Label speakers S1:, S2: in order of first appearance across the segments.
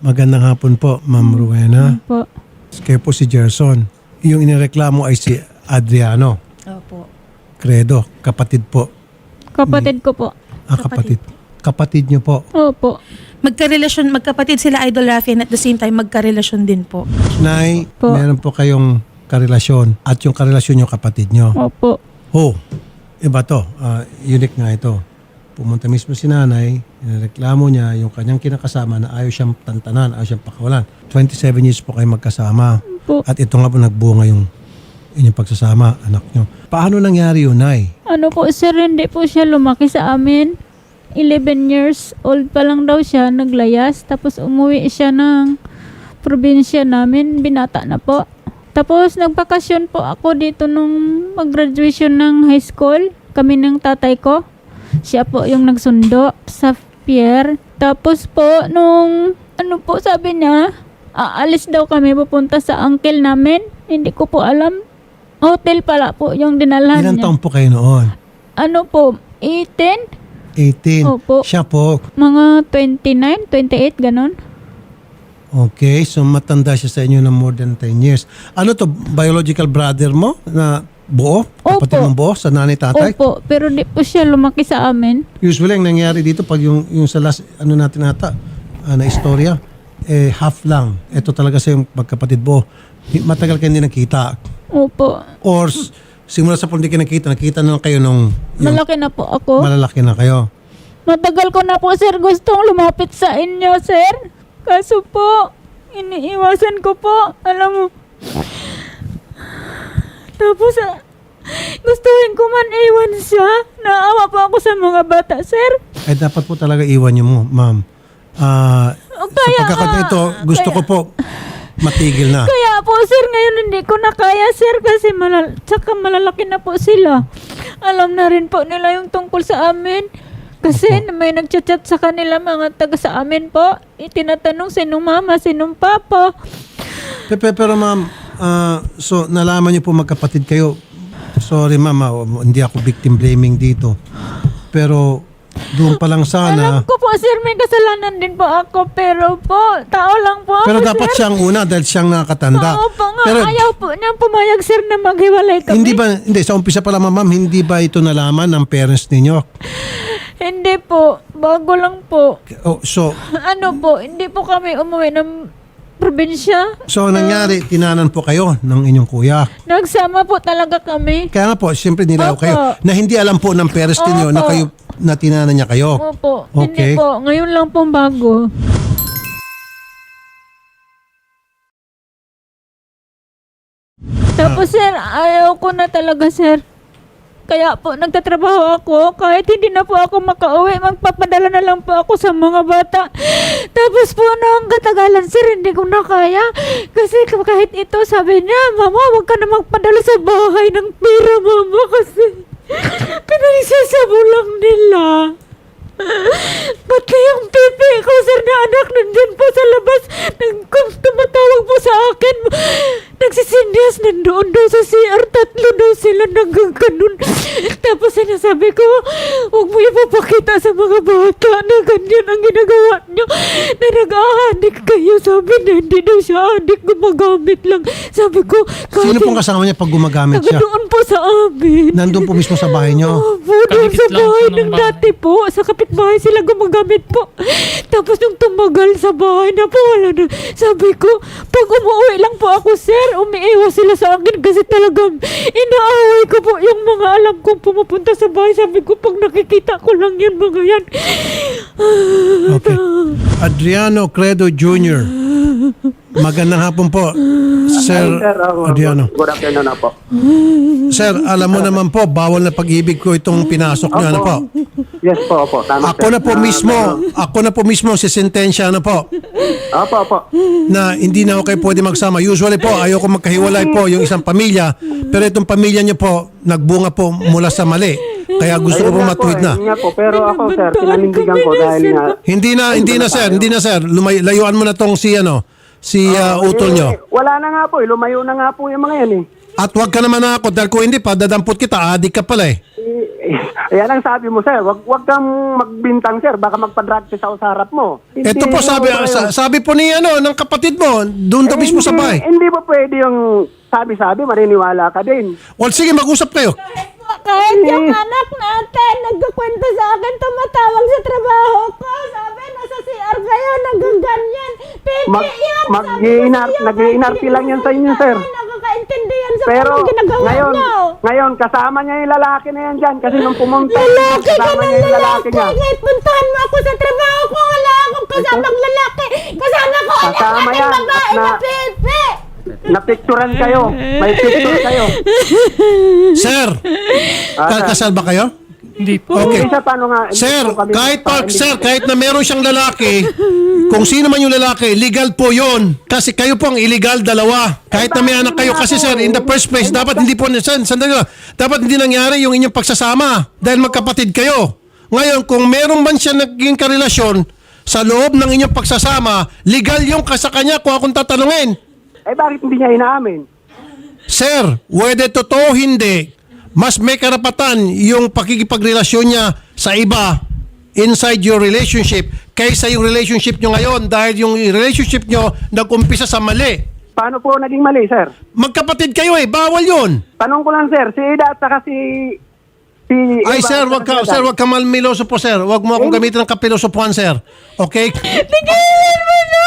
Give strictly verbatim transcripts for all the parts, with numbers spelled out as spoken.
S1: Magandang hapon po, Ma'am Rowena.
S2: Po.
S1: Kayo po si Gerson. Yung inireklamo ay si Adriano
S3: Opo.
S1: Credo, kapatid po.
S2: Kapatid ko po.
S1: Ah, kapatid. Kapatid niyo po.
S2: Opo.
S3: Magkarelasyon, magkapatid sila Idol Rafi and at the same time magkarelasyon din po.
S1: Nay,
S2: Po.
S1: meron po kayong karelasyon at yung karelasyon yung kapatid niyo.
S2: Opo.
S1: Oh, iba to. Ah, unique nga ito. Pumunta mismo si nanay, inireklamo niya yung kanyang kinakasama na ayaw siyang tantanan, ayaw siyang pakawalan. twenty-seven years po kayo magkasama.
S2: Po.
S1: At ito nga po nagbunga yung inyong pagsasama, anak niyo. Paano nangyari yun, Nay?
S2: Ano po sir, hindi po siya lumaki sa amin. eleven years old pa lang daw siya, naglayas. Tapos umuwi siya ng probinsya namin, binata na po. Tapos nagpakasyon po ako dito nung mag-graduation ng high school. Kami ng tatay ko. Siya po yung nagsundo sa pier. Tapos po, nung ano po sabi niya, aalis daw kami pupunta sa uncle namin. Hindi ko po alam. Hotel pala po yung dinalhan
S1: Ilang
S2: niya.
S1: taon po kayo noon?
S2: Ano po, eighteen?
S1: eighteen.
S2: Opo.
S1: Siya po.
S2: Mga twenty-nine, twenty-eight, ganon.
S1: Okay, so matanda siya sa inyo ng more than ten years. Ano to, biological brother mo na buo? Kapatid
S2: Opo.
S1: mong buo sa nanay tatay?
S2: Opo, pero di po siya lumaki sa amin.
S1: Usually, ang nangyari dito pag yung, yung sa last, ano natin nata, ah, na istorya, eh, half lang. Ito talaga sa yung magkapatid buo. Matagal kayo hindi nakita.
S2: Opo.
S1: Or s- simula sa hindi kayo nakita, nakita na lang kayo nung yung
S2: Malaki na po ako.
S1: malalaki na kayo.
S2: Matagal ko na po, sir, gustong lumapit sa inyo, sir. Kaso po, iniiwasan ko po. Alam mo, tapos, ah, gustuhin ko man iwan siya. Naawa po ako sa mga bata, sir.
S1: Ay dapat po talaga iwan niyo mo, ma'am. Ah,
S2: O,
S1: sa
S2: kaya
S1: pagkakataon
S2: nga,
S1: ito, gusto
S2: kaya-
S1: ko po matigil na.
S2: Kaya po, sir, ngayon hindi ko na kaya, sir, kasi malal tsaka malalaki na po sila. Alam na rin po nila yung tungkol sa amin. Kasi may nagchat-chat sa kanila mga taga sa amin po. Itinatanong sinong mama, sinong papa.
S1: Pero, pero ma'am, ah, so nalaman niyo po magkapatid kayo. Sorry ma'am, ah, hindi ako victim blaming dito. Pero doon pa lang sana.
S2: Alam ko po, sir, may kasalanan din po ako. Pero po, tao lang po ako,
S1: Pero dapat
S2: sir.
S1: siyang una dahil siyang nakakatanda.
S2: Oo po nga,
S1: Pero
S2: ayaw po niyang pumayag, sir, na maghiwalay kami.
S1: hindi ba, hindi, sa umpisa pa lang ma'am, hindi ba ito nalaman ng parents ninyo?
S2: Hindi po, bago lang po.
S1: Oh, so,
S2: Ano po, hindi po kami umuwi ng probinsya.
S1: so nangyari, tinanan po kayo ng inyong kuya.
S2: Nagsama po talaga kami.
S1: Kaya nga po, siyempre nilaw
S2: Opo.
S1: kayo na hindi alam po ng parents ninyo na
S2: Opo.
S1: kayo na tinanan niya kayo.
S2: Opo,
S1: Okay.
S2: hindi po. Ngayon lang pong bago. Tapos sir, ayaw ko na talaga, sir. Kaya po, nagtatrabaho ako. Kahit hindi na po ako makauwi, magpapadala na lang po ako sa mga bata. Tapos po, noong katagalan, sir, hindi ko na kaya. Kasi kahit ito, sabi niya, Mama, wag ka na magpadala sa bahay ng pera, Mama, kasi pinagsasabulang nila. Pati yung pipi ko, sir, na anak nandun po sa labas. Nag tumatawag po sa akin. Nagsisindiyas nandoon daw sa C R. Tatlo daw sila nagkaganon. Tapos sinasabi ko, huwag mo ipapakita sa mga bata na ganyan ang ginagawa nyo. Na nag-aadik kayo. Sabi na hindi daw siya adik, gumagamit lang. Sabi ko,
S1: Sino pong kasama niya pag gumagamit
S2: taga
S1: siya?
S2: doon po sa amin.
S1: Nandun po mismo sa bahay niyo.
S2: Opo, doon
S4: Kadikit
S2: sa
S4: lang
S2: bahay
S4: po ng
S2: ng
S4: bahay.
S2: dati po. Sa kapitbahay sila gumagamit po. Tapos nung tumagal sa bahay na po, wala na. Sabi ko, pag umuwi lang po ako, sir, umiiwas sila sa akin kasi talagang inaaway ko po yung mga alam kong pumupunta sa bahay. Sabi ko, pag nakikita ko lang yan, mga yan.
S1: Okay. Adriano Credo Junior Magandang hapon po, Sir
S5: Sir, uh,
S1: Adriano.
S5: good afternoon na po.
S1: Sir, alam mo naman po, bawal na pag-ibig ko itong pinasok niyo, ano po?
S5: Yes po, opo. Tama,
S1: Ako
S5: sir.
S1: na po
S5: Ah,
S1: mismo,
S5: meron-
S1: ako na po mismo si sentensya na po,
S5: Opo, opo.
S1: na hindi na ako kayo pwede magsama. Usually po, ayoko magkahiwalay po yung isang pamilya, pero itong pamilya niyo po, nagbunga po mula sa mali. Kaya gusto ko po
S5: Ayun nga
S1: matuwid na.
S5: Yun nga po, pero ako, sir, pinanindigan ko dahil nga...
S1: Hindi na, hindi na sir, hindi na sir. Lumay, layuan mo na tong si ano, si uh, utol nyo.
S5: Eh, wala na nga po, eh. Lumayo na nga po yung mga yan eh.
S1: At huwag ka naman ako dahil kung hindi pa, dadampot kita, adik ka pala eh.
S5: Eh, Ayan ang sabi mo, sir. Wag, wag kang magbintang, sir. Baka magpa-drug test ako sa harap mo. Hindi
S1: Ito po sabi,
S5: mo
S1: sa- sabi po ni ano, ng kapatid mo, doon daw
S5: Eh,
S1: mismo sa
S5: hindi-
S1: bahay.
S5: Hindi ba pwede yung sabi-sabi, maniniwala ka din.
S1: Well, sige, mag-usap kayo.
S2: Kahit yung anak natin, nagkakwento sa akin, tumatawag sa trabaho ko. Sabi, nasa C R kayo, nagaganyan. Pwede
S5: Mag,
S2: yan.
S5: mag-iinar, nag-iinarti lang yan sa inyo, sir.
S2: Nakakaintindi yan sa
S5: Pero
S2: mga ginagawa
S5: ngayon,
S2: niyo.
S5: ngayon, kasama niya yung lalaki na yan dyan. Kasi nung pumunta,
S2: Lalaki ka
S5: kasama
S2: ng
S5: niya yung lalaki
S2: lalaki.
S5: niya.
S2: Kahit puntahan mo ako sa trabaho ko, wala akong kasamang lalaki. Kasama ko anak
S5: Kasama
S2: natin
S5: yan.
S2: babae
S5: At
S2: na
S5: na-
S2: Pepe.
S5: Napicturan kayo. May picture kayo.
S1: Sir,
S5: Ah,
S1: ka- kasal ba kayo?
S4: Hindi po.
S1: Okay.
S5: Isa, paano nga? hindi
S1: Sir,
S5: po kami-
S1: kahit pa,
S5: hindi-
S1: sir, kahit na meron siyang lalaki, kung sino man yung lalaki, legal po yun. Kasi kayo po ang illegal dalawa. Kahit na may anak kayo. Kasi sir, in the first place, dapat hindi po, sir, sandali lang, dapat hindi nangyari yung inyong pagsasama. Dahil magkapatid kayo. Ngayon, kung meron man siya naging karelasyon sa loob ng inyong pagsasama, legal yung ka sa kanya kung akong tatanungin.
S5: Eh, bakit hindi niya inaamin?
S1: Sir, whether totoo o hindi, mas may karapatan yung pakikipagrelasyon niya sa iba inside your relationship kaysa yung relationship nyo ngayon dahil yung relationship nyo nag-umpisa sa mali.
S5: Paano po naging mali, sir?
S1: Magkapatid kayo eh, bawal yun.
S5: Tanong ko lang, sir. Si Ida at saka si... si
S1: Ay
S5: Eva
S1: sir,
S5: at
S1: wag
S5: saka
S1: ka,
S5: si
S1: sir,
S5: Ida.
S1: wag ka malmiloso po sir. Wag mo akong gamitin ng kapilosopuan sir. Okay?
S2: Tigilan mo na!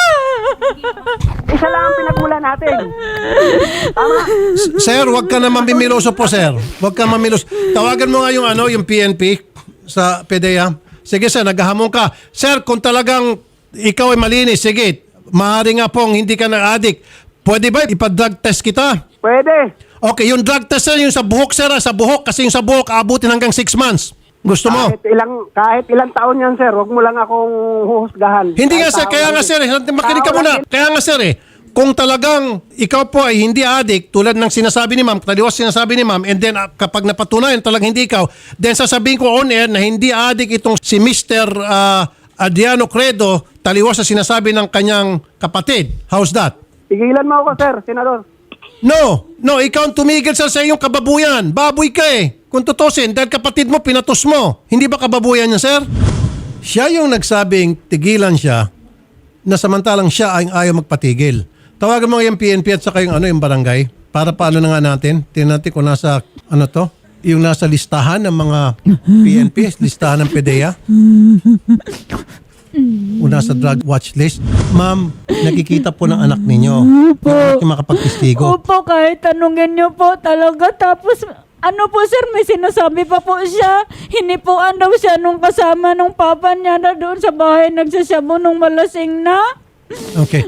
S5: Isa lang ang pinagmula natin. Tama?
S1: Sir, wag ka naman bimiloso po, sir. Wag ka mamilos. Tawagan mo nga yung ano, yung P N P sa P D E A. Sige, sir, naghahamon ka. Sir, kung talagang ikaw ay malinis, sige, maaari nga pong hindi ka na-addict. Pwede ba ipa-drug test kita?
S5: Pwede.
S1: Okay, yung drug test, sir, yung sa buhok, sir, ah, sa buhok, kasi yung sa buhok, aabutin hanggang six months. Gusto mo?
S5: Kahit ilang kahit ilang taon yan, sir. Huwag mo lang akong huhusgahan.
S1: Hindi nga
S5: Kahit
S1: sir,
S5: tao
S1: kaya
S5: lang
S1: nga
S5: din.
S1: sir, eh, makinig ka
S5: Tao
S1: muna.
S5: lang din.
S1: Kaya nga sir eh, kung talagang ikaw po ay hindi addict, tulad ng sinasabi ni ma'am, taliwas sinasabi ni ma'am, and then ah, kapag napatunayan talagang hindi ikaw, then sasabihin ko on air na hindi addict itong si Mister ah, Adriano Credo, taliwas sa sinasabi ng kanyang kapatid. How's that?
S5: Tigilan mo ako, sir, senador.
S1: No, no, ikaw ang tumigil sa sa iyong kababuyan. Baboy ka eh. Kung tutusin, dahil kapatid mo, pinatos mo. Hindi ba kababuyan niya, sir? Siya yung nagsabing tigilan siya na samantalang siya ay ayaw magpatigil. Tawagan mo nga yung P N P at saka yung, ano, yung barangay para paano na nga natin. Tingnan natin kung nasa, ano to, yung nasa listahan ng mga P N P, listahan ng P D E A. O nasa drug watch list. Ma'am, nakikita po ng anak ninyo. Yung anak niyo makapagtistigo.
S2: Opo, kahit tanungin niyo po talaga. Tapos, ano po sir, may sinasabi pa po siya. Hinipuan daw siya nung kasama nung papa niya na doon sa bahay nagsasabu nung malasing na.
S1: Okay.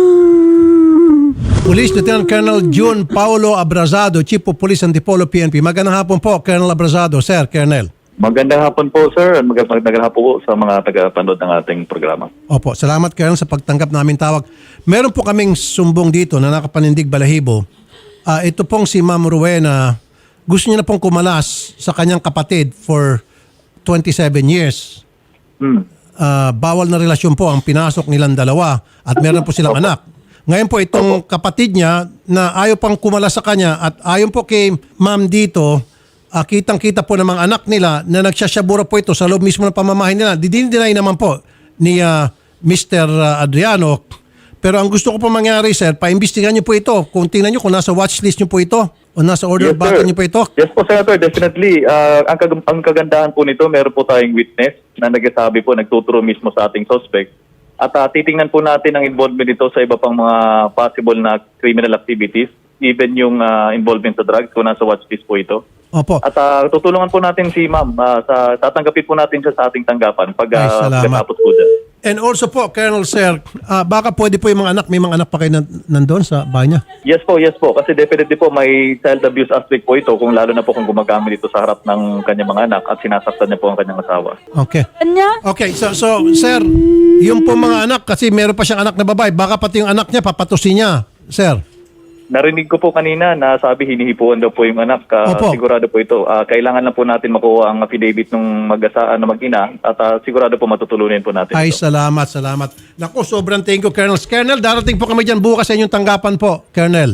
S1: Police Lieutenant Colonel June Paulo Abrazado, Chief of Police Antipolo P N P. Magandang hapon po, Colonel Abrazado. Sir, Colonel.
S6: Magandang hapon po, sir. Mag- Magandang hapon po sa mga tagapanood ng ating programa.
S1: Opo, salamat Colonel sa pagtanggap namin tawag. Meron po kaming sumbong dito na nakapanindig balahibo. Ah, ito pong si Ma'am Rowena, gusto niya na pong kumalas sa kanyang kapatid for twenty-seven years.
S6: Hmm.
S1: Ah, bawal na relasyon po ang pinasok nilang dalawa at meron po silang anak. Ngayon po itong kapatid niya na ayaw pang kumalas sa kanya at ayon po kay Ma'am dito, uh, kitang-kita po ng mga anak nila na nagsasyabura po ito sa loob mismo ng pamamahay nila. Didinay naman po ni uh, Mister Adriano. Pero ang gusto ko po mangyari, sir, paimbestigahan niyo po ito. Kung tingnan niyo kung nasa watchlist niyo po ito o nasa order of battle niyo po ito.
S6: Yes po, Senator. Definitely. Ah, ang, kag- ang kagandahan po nito, meron po tayong witness na nagsasabi po, nagtuturo mismo sa ating suspect. At ah, titingnan po natin ang involvement nito sa iba pang mga possible na criminal activities, even yung ah, involvement sa drugs kung nasa watchlist po ito.
S1: Opo.
S6: At ah, tutulungan po natin si ma'am, ah, sa, tatanggapin po natin siya sa ating tanggapan pag
S1: Ay,
S6: uh,
S1: salamat.
S6: pagkatapos po dyan.
S1: And also po, Colonel Sir, ah, baka pwede po yung mga anak, may mga anak pa kayo nan- nandun sa bahay niya?
S6: Yes po, yes po. Kasi definitely po may child abuse aspect po ito kung lalo na po kung gumagamit ito sa harap ng kanyang mga anak at sinasaktan niya po ang kanyang asawa.
S1: Okay.
S2: Kanya?
S1: Okay, so, so sir, yung po mga anak, kasi meron pa siyang anak na babae, baka pati yung anak niya, papatusin niya, sir.
S6: Narinig ko po kanina na sabi hinihipuan daw po yung anak. Ah,
S1: Opo.
S6: sigurado po ito. Ah, kailangan lang po natin makuha ang affidavit ng mag-asa na mag-ina at ah, sigurado po matutulunin po natin
S1: Ay,
S6: ito.
S1: salamat, salamat. Naku, sobrang thank you, Colonel. Colonel, darating po kami dyan bukas sa inyong tanggapan po, Colonel.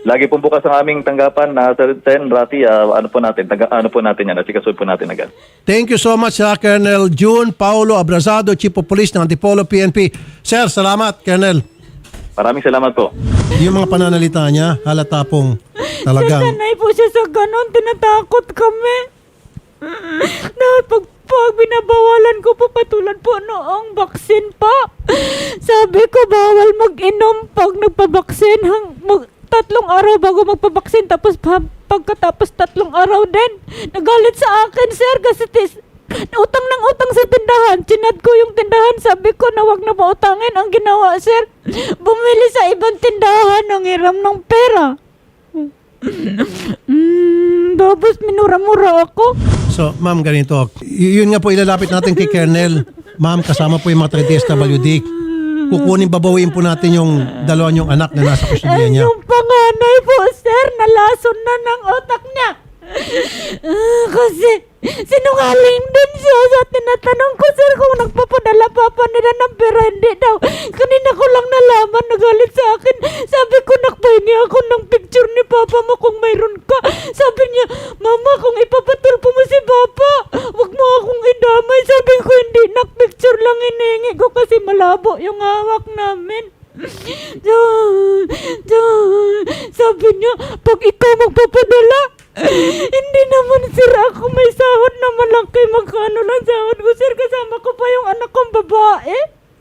S6: Lagi po bukas ang aming tanggapan na Sir Sen, Rafi, ah, ano po natin, taga, ano po natin yan, at sikasunod po natin agad.
S1: Thank you so much, uh, Colonel June Paulo Abrazado, Chief of Police ng Antipolo P N P. Sir, salamat, Colonel.
S6: Maraming salamat po.
S1: Yung mga pananalita niya, halata pong talagang...
S2: Sanay po siya sa ganon, tinatakot kami. Dahil pag, pag binabawalan ko po patulad po noong baksin pa. Sabi ko bawal mag-inom pag nagpabaksin. Hang, mag, tatlong araw bago magpabaksin tapos pa, pagkatapos tatlong araw din. Nagalit sa akin, sir, kasi tis, utang ng utang sa tindahan. Chinad ko yung tindahan. Sabi ko na wag na pautangin. Ang ginawa, sir, bumili sa ibang tindahan ng hiram ng pera. Mm, tapos minura-mura ako.
S1: So, ma'am, ganito. Y- yun nga po ilalapit natin kay Colonel. Ma'am, kasama po yung mga taga-D S W D. Kukunin, babawiin po natin yung dalawa niyong anak na nasa kustudiya niya.
S2: Yung panganay po, sir, nalason na ng utak niya. Ah, kasi sinungaling din siya sa tinatanong ko, sir, kung nagpapadala pa pa nila ng pera. Hindi daw. Kanina ko lang nalaman, nagalit sa akin. Sabi ko, nakpahingi ako ng picture ni Papa mo kung mayroon ka. Sabi niya, Mama, kung ipapatulpo mo si Papa, wag mo akong idamay. Sabi ko, hindi, nak-picture lang hinihingi ko kasi malabo yung hawak namin. John, John, sabi niya, pag ikaw magpapadala, hindi naman, sir, ako may sahod na malaki. Magkano lang sahod ko, sir, kasama ko pa yung anak kong babae.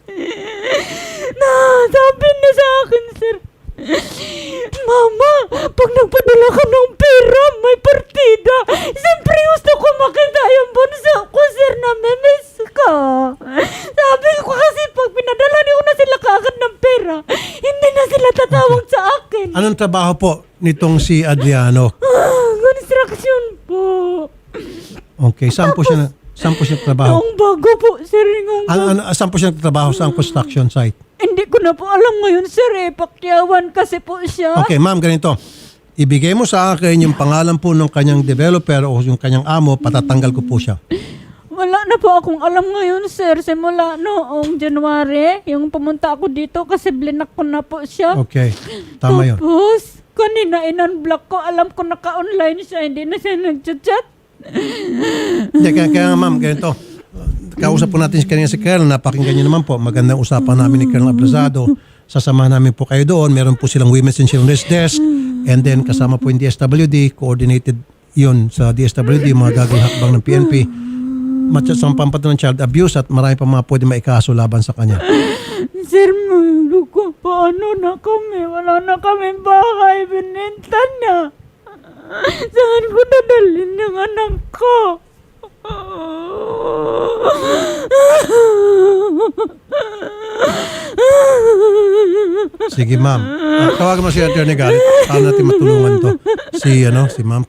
S2: Na, sabi niya sa akin, sir, Mama, pag nagpadala ka ng pera, may partida. Siyempre gusto ko makita yung bunso ko, sir, na memes ka. Sabi ko kasi pag pinadala niyo na sila kaagad ng pera, hindi na sila tatawag sa akin.
S1: Anong trabaho po nitong si Adriano?
S2: Ah, construction po.
S1: Okay, saan po siya, saan po siya trabaho?
S2: Yung bago po, sir. Yung
S1: Ano, ano, saan po siya trabaho sa construction site?
S2: Hindi ko na po alam ngayon, sir, eh. Pakyawan kasi po siya.
S1: Okay, ma'am, ganito. Ibigay mo sa akin yung pangalan po ng kanyang developer o yung kanyang amo, patatanggal ko po siya.
S2: Wala na po akong alam ngayon, sir. Simula noong January, yung pumunta ako dito kasi blinak ko na po siya.
S1: Okay, tama yun.
S2: Tapos, kanina in-unblock ko. Alam ko naka-online siya. Hindi na siya nag-chat.
S1: Hindi, kaya, kaya nga, ma'am, ganito. Kausap po natin si kanina si Colonel. Napakinggan niyo naman po. Magandang usapan namin ni Colonel Abrazado. Sasamahan namin po kayo doon. Meron po silang Women's and Children's Desk. And then kasama po yung D S W D. Coordinated yun sa D S W D. Mga gagawing hakbang ng P N P. Matcha sa pampatunan ng child abuse at marami pa mga pwede maikaso laban sa kanya.
S2: Sir, mahalo ko. Paano na kami? Wala na kami bahay. Bininta na. Saan ko dadalhin yung anak ko?
S1: Sige, ma'am. Uh, tawagan mo si Attorney Garrett. Paano natin matulungan to? Si, ano, si ma'am.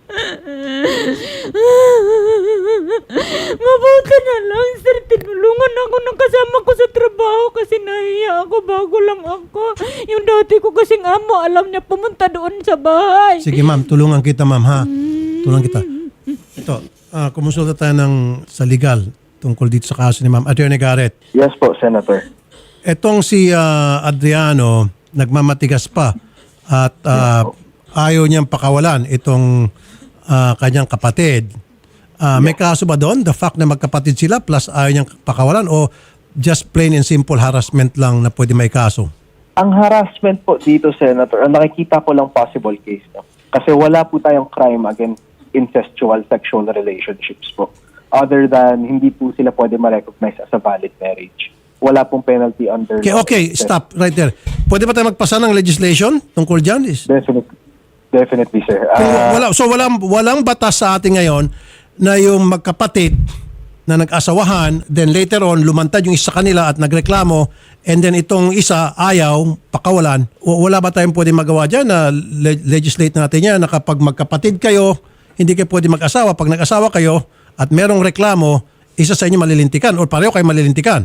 S2: Mabuti na lang, sir. Tinulungan ako ng kasama ko sa trabaho kasi nahiya ako. Bago lang ako. Yung dati ko kasing amo, alam niya pumunta doon sa bahay.
S1: Sige, ma'am. Tulungan kita, ma'am, ha? Tulungan kita. Ito, uh, kumonsulta tayo ng, sa legal tungkol dito sa kaso ni ma'am. Attorney Garrett.
S4: Yes po, Senator.
S1: Etong si uh, Adriano, nagmamatigas pa at uh, ayaw niyang pakawalan itong uh, kanyang kapatid. Uh, may kaso ba doon? The fact na magkapatid sila plus ayaw niyang pakawalan o just plain and simple harassment lang na pwede may kaso?
S4: Ang harassment po dito, Senator, ang nakikita ko lang possible case. No? Kasi wala po tayong crime against incestual sexual relationships po. Other than hindi po sila pwede ma-recognize as a valid marriage. Wala pong penalty under...
S1: Okay, okay, stop right there. Pwede ba tayo magpasa ng legislation tungkol dyan? Is,
S4: Definitely, definitely sir.
S1: kung
S4: Ah,
S1: wala, so walang, walang batas sa atin ngayon na yung magkapatid na nag-asawahan, then later on, lumantad yung isa kanila at nagreklamo, and then itong isa ayaw, pakawalan. O, wala ba tayong pwede magawa dyan na le- legislate natin yan na kapag magkapatid kayo, hindi kayo pwede mag-asawa. Pag nag-asawa kayo at merong reklamo, isa sa inyo malilintikan o pareho kayo malilintikan.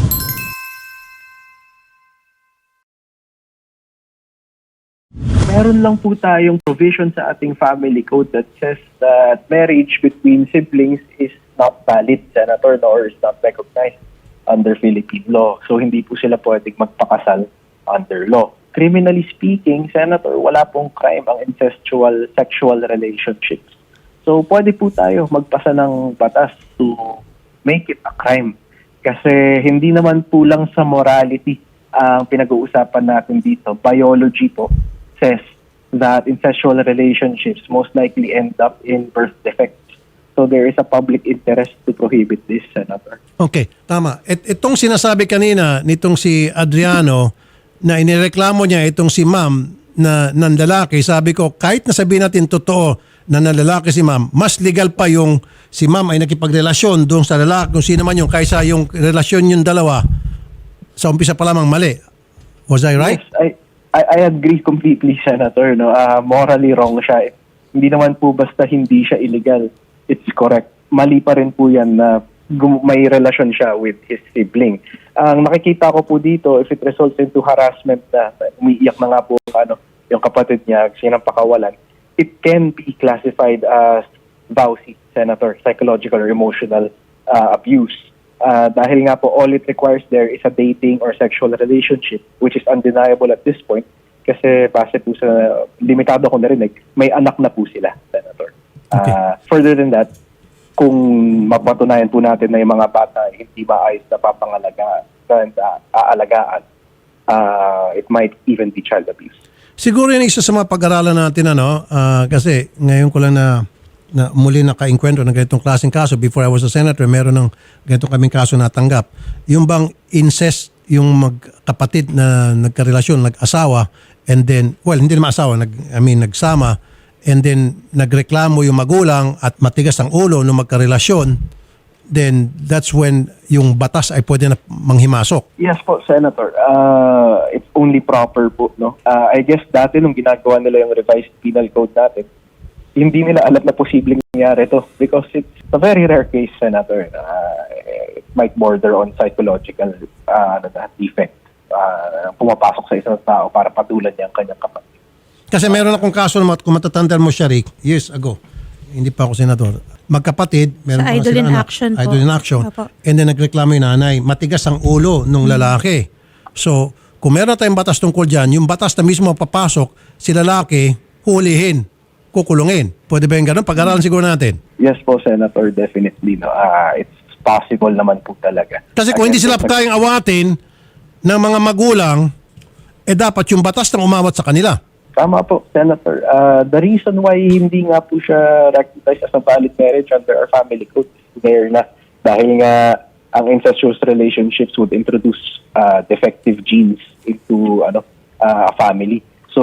S4: meron lang po tayong provision sa ating family code that says that marriage between siblings is not valid, Senator, nor is not recognized under Philippine law. So, hindi po sila pwedeng magpakasal under law. criminally speaking, Senator, wala pong crime ang incestual sexual relationships. So, pwede po tayo magpasa ng batas to make it a crime. Kasi hindi naman po lang sa morality ang pinag-uusapan natin dito. Biology po says that incestual relationships most likely end up in birth defects. So, there is a public interest to prohibit this, Senator.
S1: Okay, tama. Et, itong sinasabi kanina nitong si Adriano na inireklamo niya itong si ma'am na nanlalaki, sabi ko kahit nasabihin natin totoo na nanlalaki si ma'am, mas legal pa yung si ma'am ay nakipagrelasyon doon sa lalaki kung sino man yung kaysa yung relasyon yung dalawa sa umpisa pa lamang mali. Was I right?
S4: Yes, I, I, I agree completely, Senator. No? Uh, morally wrong siya. Hindi naman po basta hindi siya illegal. It's correct. Mali pa rin po yan na gum- may relasyon siya with his sibling. Ang nakikita ko po dito, if it results into harassment na umiiyak na nga po ano, yung kapatid niya, sinampakawalan, it can be classified as V A U C, Senator, psychological or emotional uh, abuse. Uh, dahil nga po, all it requires there is a dating or sexual relationship, which is undeniable at this point, kasi base po sa limitado ko narinig, may anak na po sila, Senator.
S1: Okay.
S4: Uh, further than that, kung mapatunayan po natin na yung mga bata ay hindi maayos na papangalagaan and uh, aalagaan, uh, it might even be child abuse.
S1: Siguro yun isa sa mga pag-aralan natin ano, ah, kasi ngayon ko lang na, na muli naka-enkwentro ng ganitong klaseng kaso. Before I was a senator, meron ng ganitong kaming kaso natanggap. Yung bang incest, yung magkapatid na nagkarelasyon, nag-asawa, and then, well, hindi naman asawa, nag, I mean, nagsama, and then nagreklamo yung magulang at matigas ang ulo nung magkarelasyon, then that's when yung batas ay pwede na manghimasok.
S4: Yes po, Senator. Uh, it's only proper po, no? Uh, I guess dati nung ginagawa nila yung revised penal code natin, hindi nila alam na posibleng nangyari to because it's a very rare case, Senator. Uh, it might border on psychological uh, ano na, defect. Uh, pumapasok sa isang tao para patulan niya ang kanyang kapatid.
S1: Kasi meron akong kaso naman, kung matatandaan mo siya, Rick, years ago, hindi pa ako senador, magkapatid, meron
S3: Sa
S1: pa nga
S3: Idol
S1: silang
S3: in
S1: anak,
S3: Action po.
S1: Idol in Action,
S3: Opo.
S1: and then nagreklamo yung nanay, matigas ang ulo nung lalaki. So, kung meron tayong batas tungkol dyan, yung batas na mismo papasok, si lalaki, hulihin, kukulungin. Pwede ba yung ganun? Pag-aralan siguro natin.
S4: Yes po, Senator, definitely. No? Uh, it's possible naman po talaga.
S1: Kasi kung hindi sila
S4: Again,
S1: kayang awatin ng mga magulang, eh dapat yung batas nang umawat sa kanila.
S4: Tama po, Senator. Uh, the reason why hindi nga po siya recognized as a valid marriage under our family code is there na dahil nga ang incestuous relationships would introduce uh, defective genes into ano uh, a family. So,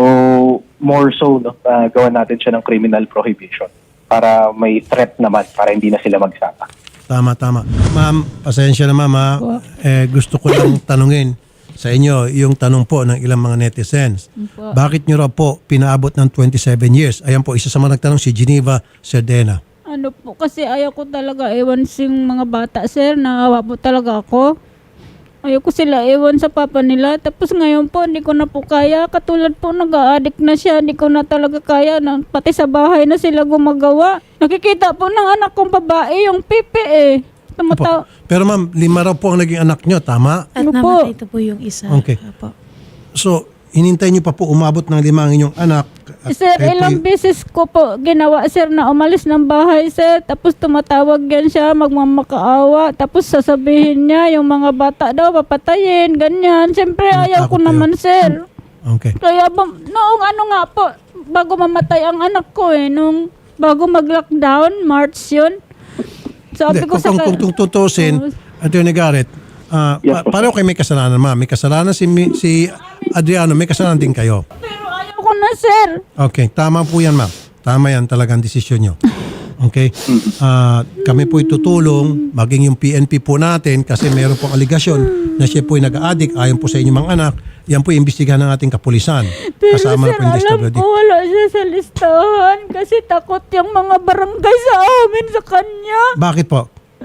S4: more so, no, uh, gawan natin siya ng criminal prohibition para may threat naman, para hindi na sila magsama.
S1: Tama, tama. Ma'am, pasensya na ma'am. ha. Eh, gusto ko lang tanungin sa inyo yung tanong po ng ilang mga netizens.
S2: Po.
S1: Bakit nyo raw po pinaabot ng twenty-seven years? Ayan po, isa sa mga nagtanong si Geneva Cerdena.
S2: Ano po, kasi ayaw ko talaga ewan sing mga bata, sir. Naawa po talaga ako. Ayaw ko sila ewan sa papa nila. Tapos ngayon po, hindi ko na po kaya. Katulad po, nag-a-addict na siya. Hindi ko na talaga kaya. Na, pati sa bahay na sila gumagawa. Nakikita po ng anak kong babae, yung pipi eh. Tumataw.
S1: Opo. Pero ma'am, lima raw po ang naging anak nyo, tama?
S3: At
S2: Ano po?
S3: namatay ito po yung isa.
S1: Okay.
S3: Opo.
S1: So, hinintay nyo pa po umabot ng lima ang inyong anak. At
S2: Sir,
S1: kayo po
S2: ilang
S1: y-
S2: beses ko po ginawa, sir, na umalis ng bahay, sir. Tapos tumatawag yan siya, magmamakaawa. Tapos sasabihin niya, yung mga bata daw, papatayin, ganyan. Siyempre, ayaw ko
S1: Natakot kayo?
S2: naman, sir.
S1: Okay.
S2: Kaya, ba- noong ano nga po, bago mamatay ang anak ko eh, nung bago mag-lockdown, March yun. Sabi
S1: Hindi,
S2: ko
S1: kung,
S2: sa...
S1: kung, kung, kung tutusin, Attorney Garrett, ah,
S4: Yes,
S1: pa-
S4: po,
S1: pareho kayo may kasalanan, ma'am. May kasalanan si, mi- si Adriano, may kasalanan din kayo.
S2: Pero ayaw ko na, sir.
S1: Okay, tama po yan, ma'am. Tama yan talagang desisyon nyo. Okay? Ah, kami po itutulong, maging yung P N P po natin kasi meron pong aligasyon na siya po ay nag-addict ayon po sa inyong mga anak. Yan po imbestigahan ng ating kapulisan.
S2: Pero
S1: Kasama
S2: sir,
S1: na po yung
S2: alam
S1: D S W D.
S2: ko wala siya sa listahan kasi takot yung mga barangay sa amin sa kanya.
S1: Bakit po?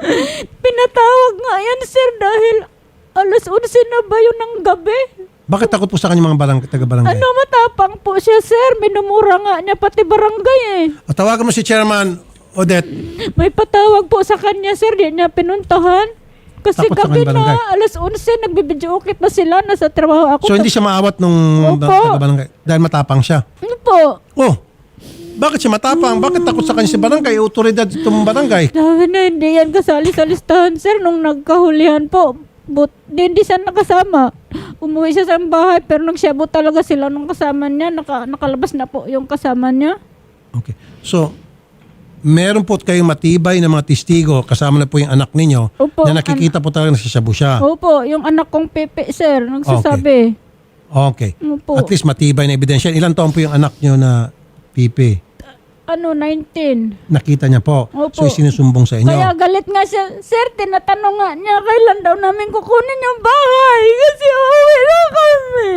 S2: Pinatawag nga yan, sir, dahil alas onse na ba yun ng gabi?
S1: Bakit takot po sa kanya mga barang, taga-barangay?
S2: Ano, matapang po siya, sir. Minumura nga niya pati barangay eh.
S1: O, tawagan mo si Chairman Odette.
S2: May patawag po sa kanya, sir. Di niya pinuntahan. Kasi
S1: Takot sa
S2: gabi
S1: kanyang barangay.
S2: na, alas onse, nagbibidyo okay pa sila, nasa trabaho ako.
S1: So hindi siya maawat nung
S2: Opo.
S1: taga-barangay dahil matapang siya.
S2: Ano po?
S1: Oh, bakit siya matapang? Bakit takot sa kanya si barangay? Autoridad itong barangay.
S2: Sabi na hindi yan kasali sa listahan, sir, nung nagkahulihan po. But di, hindi siya nakasama. Umuwi siya sa bahay pero nagsyabo talaga sila nung kasama niya. Naka, nakalabas na po yung kasama niya.
S1: Okay. So, meron po kayong matibay na mga testigo, kasama na po yung anak ninyo,
S2: Opo,
S1: na nakikita po talaga nagsasyabu siya.
S2: Opo, yung anak kong Pepe, sir, nagsasabi.
S1: Okay.
S2: Opo.
S1: At least matibay na ebidensya. Ilan taon po yung anak nyo na Pipi?
S2: Ano, nineteen.
S1: Nakita niya po.
S2: Opo.
S1: So, isinusumbong sa inyo.
S2: Kaya galit nga siya, sir, tinatanong nga niya, kailan daw namin kukunin yung bahay? Kasi uwi na kami.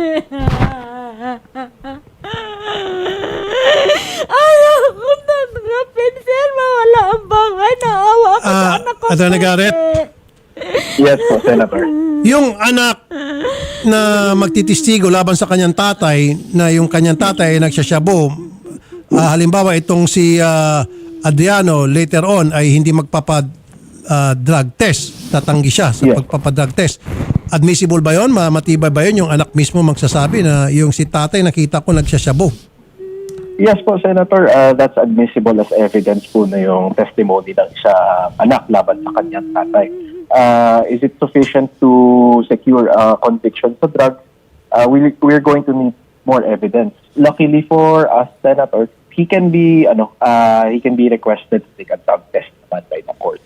S2: Ayaw ko tanggapin, sir, mawala ang bahay. Naawa ako sa
S1: Ah,
S2: anak ko.
S1: Attorney
S2: sir.
S1: Garrett?
S4: Yes po, Senator.
S1: Yung anak na magtitistigo laban sa kanyang tatay, na yung kanyang tatay ay nagsasyabo, ah, halimbawa itong si ah, Adriano later on ay hindi magpapad ah, drug test, tatanggi siya sa
S4: Yes.
S1: pagpapadrug test. Admissible ba yun? Ma- Matibay ba yun? Yung anak mismo magsasabi na yung si tatay nakita ko nagsasyabo.
S4: Yes po, Senator. Uh, that's admissible as evidence po na yung testimony ng isa anak laban sa kanyang tatay. Uh, is it sufficient to secure uh, conviction sa drugs? Uh, we, we're going to need more evidence. Luckily for us, Senator, he can be ano, uh, he can be requested to take a drug test naman by the courts.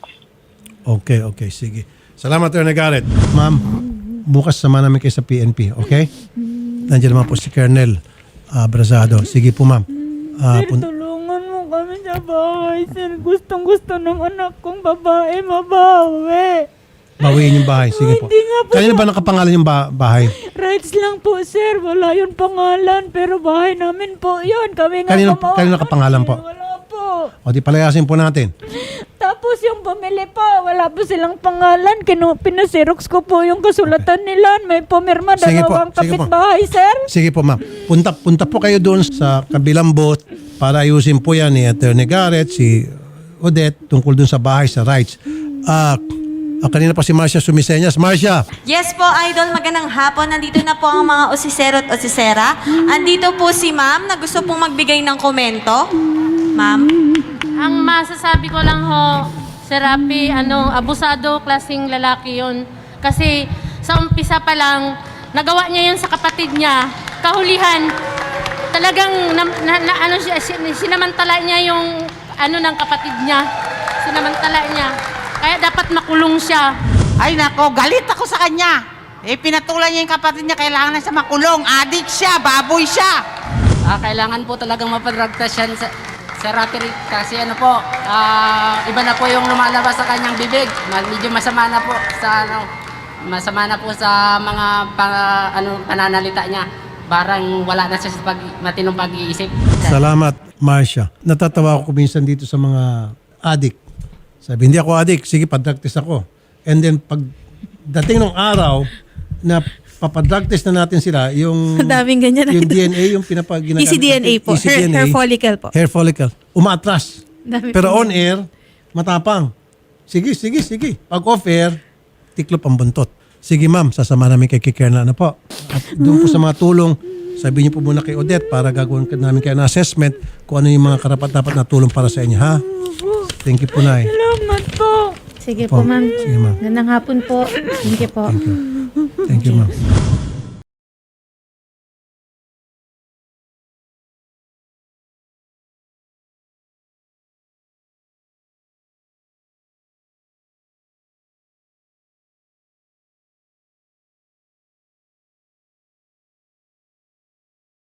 S1: Okay, okay, sige. Salamat, Attorney Garrett. Ma'am, bukas sama namin kayo sa P N P, okay? Nandiyan naman po si Colonel uh, Brazado. Sige po, ma'am. Ah,
S2: Sir,
S1: pun-
S2: tulungan mo kami sa bahay, sir. Gustong gusto ng anak kong babae mabawi.
S1: bawiin yung bahay. Sige po.
S2: Hindi nga po.
S1: Kanina ba nakapangalan yung ba- bahay?
S2: Rights lang po, sir. Wala yun pangalan. Pero bahay namin po yun. Kami nga
S1: Kanino-
S2: gumawa
S1: kanino
S2: kami.
S1: nakapangalan po?
S2: Wala po.
S1: O di palayasin po natin.
S2: Tapos yung bumili po, wala po silang pangalan. Kinu pinasirox ko po yung kasulatan nila. May pumirma
S1: Sige po,
S2: dalawang
S1: sige po.
S2: kapitbahay, sir.
S1: Sige po, ma'am. Punta, punta po kayo doon sa kabilang booth para ayusin po yan ni Attorney Garrett, si Odette, tungkol doon sa bahay, sa rights. Ah, ah, kanina pa si Marcia Sumiseñas. Marcia,
S7: Yes po, Idol. Magandang hapon. Nandito na po ang mga osisero at osisera. Andito po si Ma'am na gusto pong magbigay ng komento. Ma'am?
S8: Ang masasabi ko lang ho, Sir Rapi, ano, abusado, klaseng lalaki yun. Kasi sa umpisa pa lang, nagawa niya yun sa kapatid niya. Kahulihan, talagang na, na, na- ano siya, sin- sinamantala niya yung ano ng kapatid niya. Sinamantala niya. Kaya dapat makulong siya.
S9: Ay nako, galit ako sa kanya. Eh, pinatulan niya yung kapatid niya, kailangan na siya makulong. Adik siya, baboy siya.
S10: Ah, kailangan po talagang mapadragtas yan sa, sa Rapi kasi ano po, ah, iba na po yung lumalabas sa kanyang bibig. Ma- Medyo masama na po sa ano, masama na po sa mga pa, ano, pananalita niya. Parang wala na siya sa pag, matinong pag-iisip.
S1: salamat, Marcia. Natatawa ako minsan dito sa mga adik. Sabi, hindi ako adik. Sige, pa-drug test ako. And then, pag dating ng araw na papadrug test na natin sila, yung,
S3: Daming ganyan,
S1: yung
S3: Idol.
S1: D N A, yung pinapag
S3: E C D N A po. Hair, hair follicle po.
S1: Hair follicle. Umaatras.
S3: Dami
S1: Pero
S3: po.
S1: on air, matapang. Sige, sige, sige. Pag off air, tiklop ang buntot. Sige ma'am, sasama namin kay Kikernel na po. At doon po sa mga tulong, sabihin niyo po muna kay Odette para gagawin ka namin kayo ng assessment kung ano yung mga karapat-dapat na tulong para sa inyo, ha? Thank you po, Nay.
S2: Salamat po.
S3: Sige
S1: Po.
S3: po, ma'am.
S1: Sige, ma'am.
S3: Gandang hapon po. Thank you po.
S1: Thank you, ma'am.